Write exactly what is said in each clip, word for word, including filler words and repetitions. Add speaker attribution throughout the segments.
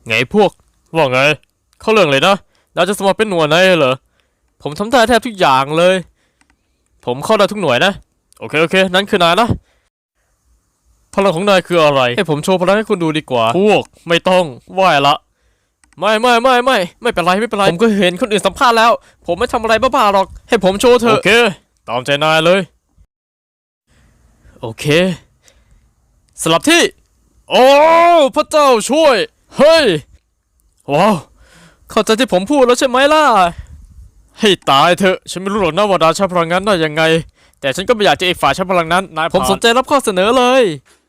Speaker 1: ไงพวกว่าไงเข้าเรื่องเลยนะนายจะสมัครเป็นหน่วยไหนเหรอผมทำได้แทบทุกอย่างเลยผมเข้าได้ทุกหน่วยนะโอเคโอเคนั่นคือนายนะพลังของนายคืออะไรให้ผมโชว์พลังให้คุณดูดีกว่าพวกไม่ต้องไหวละไม่ไม่ไม่ไม่ไม่เป็นไรไม่เป็นไรผมก็เห็นคนอื่นสัมภาษณ์แล้วผมไม่ทำอะไรบ้าๆหรอกให้ผมโชว์เถอะโอเคตามใจนายเลยโอเคสลับที่โอ้พระเจ้าช่วยเฮ้ยว้าวเข้าใจที่ผมพูดแล้วใช่ไหมล่ะให้ตายเถอะฉันไม่รู้หรอกนะว่าดาใช้พลังนั้นได้ยังไงแต่ฉันก็ไม่อยากจะอีกฝ่ายใช้พลังนั้นนายผมสนใจรับข้อเสนอเลย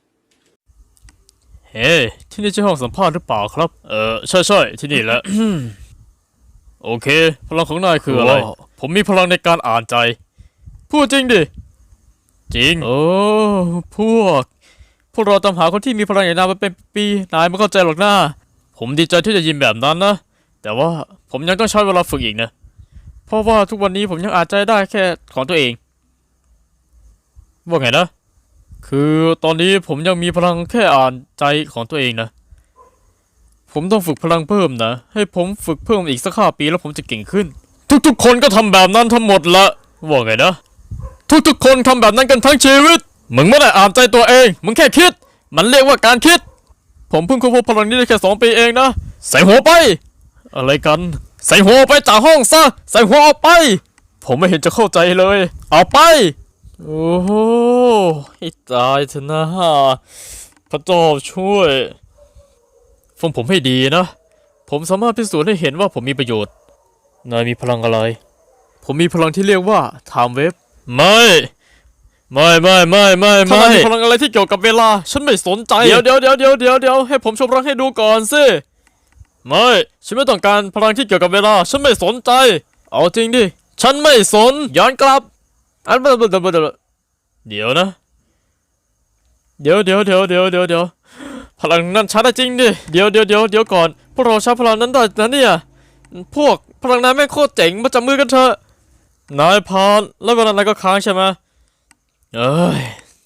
Speaker 1: เฮ้ที่นี่ใช่ห้องสัมภาษณ์หรือเปล่าครับเออใช่ใช่ที่นี่แหละ โอเคพลังของนายคืออะไรผมมีพลังในการอ่านใจพูดจริงดิจริงโอ้พวกพวกเราตามหาคนที่มีพลังอย่างนายมาเป็นปีนายไม่เข้าใจหรอกนะผมดีใจที่จะยินแบบนั้นนะแต่ว่าผมยังต้องใช้เวลาฝึกอีกนะเพราะว่าทุกวันนี้ผมยังอ่านใจได้แค่ของตัวเองว่าไงนะคือตอนนี้ผมยังมีพลังแค่อ่านใจของตัวเองนะผมต้องฝึกพลังเพิ่มนะให้ผมฝึกเพิ่มอีกสักห้าปีแล้วผมจะเก่งขึ้นทุกๆคนก็ทำแบบนั้นทั้งหมดละว่าไงนะทุกๆคนทำแบบนั้นกันทั้งชีวิตมึงไม่ได้อ่านใจตัวเองมึงแค่คิดมันเรียกว่าการคิดผมเพิ่งค้นพบพลังนี้ได้แค่สองปีเองนะใส่หัวไปอะไรกันใส่หัวไปจากห้องซะใส่หัวออกไปผมไม่เห็นจะเข้าใจเลยเอาไปโอ้โหให้ตายเถอะนะพระเจ้าช่วยฟังผมให้ดีนะผมสามารถพิสูจน์ให้เห็นว่าผมมีประโยชน์นายมีพลังอะไรผมมีพลังที่เรียกว่าไทม์เวฟไม่ไม่ไม่ไม่ไม่ไม่ถ้านายมีพลังอะไรที่เกี่ยวกับเวลาฉันไม่สนใจเดี๋ยวเดี๋ยวเดี๋ยวเดี๋ยวเดี๋ยวเดี๋ยวให้ผมโชว์พลังให้ดูก่อนสิไม่ฉันไม่ต้องการพลังที่เกี่ยวกับเวลาฉันไม่สนใจเอาจริงดิฉันไม่สนย้อนกลับอันเดี๋ยวนะเดี๋ยวเดี๋ยวเดี๋ยวเดี๋ยวเดี๋ยวเดี๋ยวพลังนั้นใช้ได้จริงดิเดี๋ยวเดี๋ยวเดี๋ยวเดี๋ยวก่อนพวกเราใช้พลังนั้นได้นะเนี่ยพวกพลังนั้นแม่งโคตรเจ๋งมาจับมือกันเถอะนายพานแล้วเวลานายก็ค้างใช่ไหมเอ้ย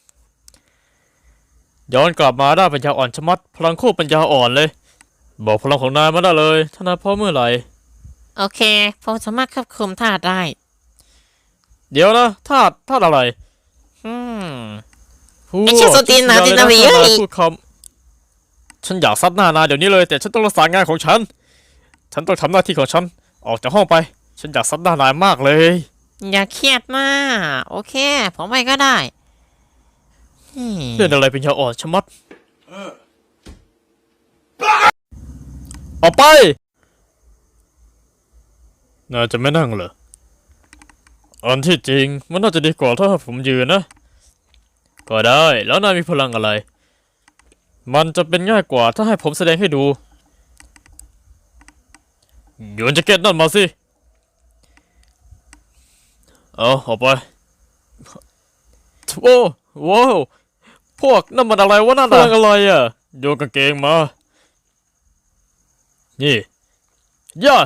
Speaker 1: ย้อนกลับมาได้ปัญญาอ่อนชะมัดพลังโคตรปัญญาอ่อนเลยบอกพลังของนายมาได้เลยถ้านายพร้อมเมื่อไหร่
Speaker 2: โอเคผมสามารถควบคุมธาตุได้
Speaker 1: เดี๋ยวนะธาตุธาตุอะไร
Speaker 2: อืม
Speaker 1: พูด
Speaker 2: ไอ้เชี่ยโซตีนหนาตีนนาวีเฮ้ย
Speaker 1: พูดคำฉันอยากซัดหน้านายเดี๋ยวนี้เลยแต่ฉันต้องรักษางานของฉันฉันต้องทำหน้าที่ของฉันออกจากห้องไปฉันอยากซัดหน้านายมากเลย
Speaker 2: อย่าเครียดมากโอเคผมไปก็ได้อืม
Speaker 1: เรื่องอะไรเป็นยาอ่อนชะมัดออกไปนายจะไม่นั่งเหรออันที่จริงมันน่าจะดีกว่าถ้าผมยืนนะก็ได้แล้วนายมีพลังอะไรมันจะเป็นง่ายกว่าถ้าให้ผมแสดงให้ดูโยนแจ็คเก็ตนั่นมาสิเอาออกไปโอ้โว้วพวกนั่นมันอะไรวะนั่นพลังอะไรอ่ะโยนกางเกงมานี่ย่า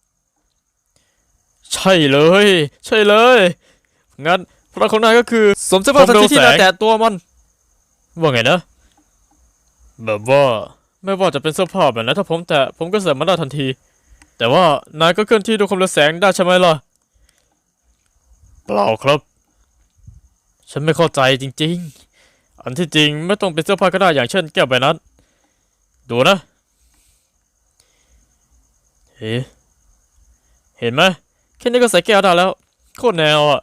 Speaker 1: ใช่เลยใช่เลยงั้นพลังของนายก็คือสวมเสื้อผ้าทันทีที่นายแตะตัวมันว่าไงนะแบบว่าไม่ว่าจะเป็นเสื้อผ้าแบบไหนถ้าผมแตะผมก็ใส่มันได้ทันทีแต่ว่านายก็เคลื่อนที่ด้วยความเร็วแสงได้ใช่ไหมล่ะเปล่าครับฉันไม่เข้าใจจริงๆอันที่จริงไม่ต้องเป็นเสื้อผ้าก็ได้อย่างเช่นแก้วใบนั้นดูนะเฮ้เห็นไหมแค่นี้ก็ใส่แก้วได้แล้วโคตรแนวอ่ะ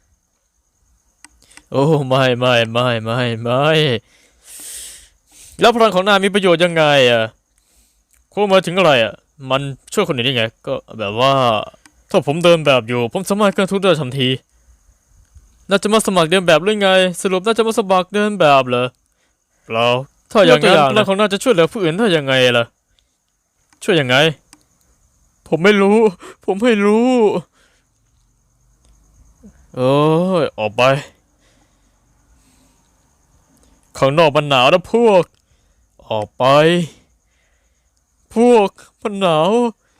Speaker 1: โอ้ไม่ไม่ไม่ไม่ไม่แล้วพลังของนายมีประโยชน์ยังไงอ่ะคุณหมายถึงอะไรอ่ะมันช่วยคนอื่นได้ไงก็แบบว่าถ้าผมเดินแบบอยู่ผมสามารถเคลื่อนทุกได้ทันทีน่าจะมาสมัครเดินแบบหรือไงสรุปน่าจะมาสมัครเดินแบบเหรอเปล่าถ้าอย่างนั้นพลังของนายจะช่วยเหลือผู้อื่นได้ยังไงล่ะช่วยยังไงผมไม่รู้ผมไม่รู้เอ้ยออกไปข้างนอกมันหนาวนะพวกออกไปพวกมันหนาว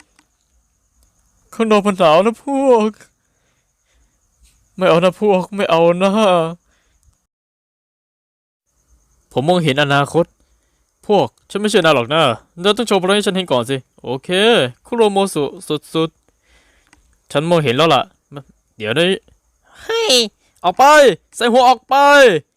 Speaker 1: ข้างนอกมันหนาวนะพวกไม่เอานะพวกไม่เอานะผมมองเห็นอนาคตพวกฉันไม่เชื่อนายหรอกนะนายต้องโชว์พลังให้ฉันเห็นก่อนสิโอเคคุโรโมสุสุดๆฉันมองเห็นแล้วล่ะเดี๋ยวนี้
Speaker 2: เฮ้ย
Speaker 1: ออกไปใส่หัวออกไป